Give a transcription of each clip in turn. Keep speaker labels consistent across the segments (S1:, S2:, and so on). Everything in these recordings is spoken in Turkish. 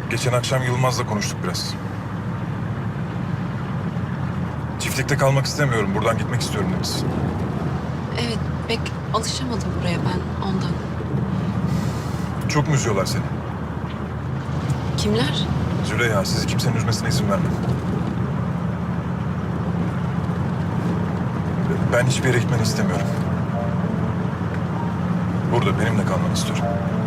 S1: Geçen akşam Yılmaz'la konuştuk biraz. Çiftlikte kalmak istemiyorum, buradan gitmek istiyorum demiş.
S2: Evet, pek alışamadım buraya ben ondan.
S1: Çok mu üzüyorlar seni?
S2: Kimler?
S1: Züleyha, sizi kimsenin üzmesine izin vermem. Ben hiçbir yere gitmeni istemiyorum. Burada benimle kalmanı istiyorum.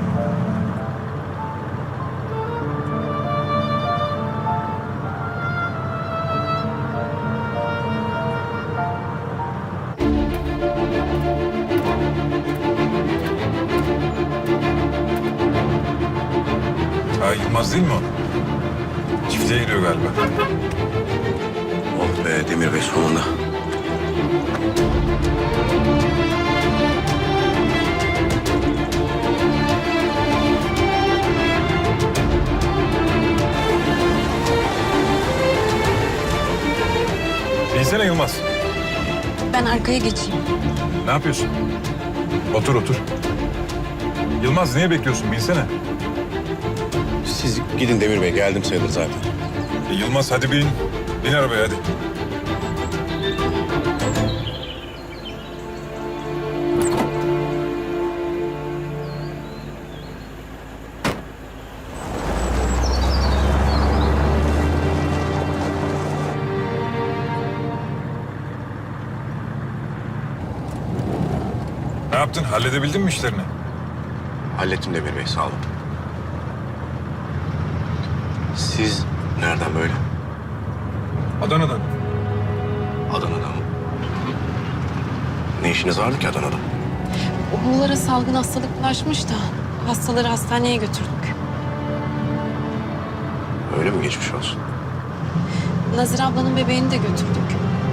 S1: Ha, Yılmaz değil mi o? Çiftliğe gidiyor galiba.
S3: Oh be Demir Bey sonunda.
S1: Binsene Yılmaz.
S2: Ben arkaya geçeyim.
S1: Ne yapıyorsun? Otur otur. Yılmaz niye bekliyorsun? Binsene.
S3: Siz gidin Demir Bey, geldim sayılır zaten.
S1: Yılmaz hadi bin. Bin arabaya hadi. Ne yaptın? Halledebildin mi işlerini?
S3: Hallettim Demir Bey, sağ olun. Siz nereden böyle?
S1: Adana'dan.
S3: Adana'dan mı? Ne işiniz vardı ki Adana'da?
S2: Oğullara salgın hastalık bulaşmış da hastaları hastaneye götürdük.
S3: Öyle mi, geçmiş olsun?
S2: Nazire ablanın bebeğini de götürdük.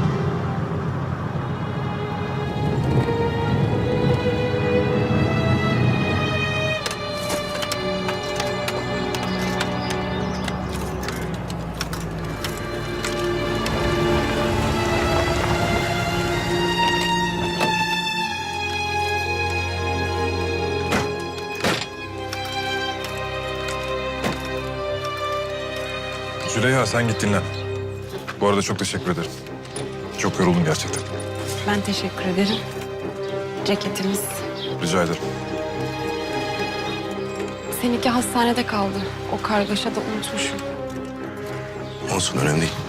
S1: Züleyha sen git dinlen. Bu arada çok teşekkür ederim. Çok yoruldum gerçekten.
S2: Ben teşekkür ederim. Ceketimiz.
S1: Rica ederim.
S2: Seninki hastanede kaldı. O kargaşada unutmuşum.
S3: Olsun, önemli değil.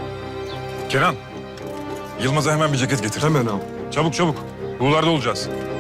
S1: Kenan, Yılmaz'a hemen bir ceket getir. Hemen al. Çabuk çabuk. Buğularda olacağız.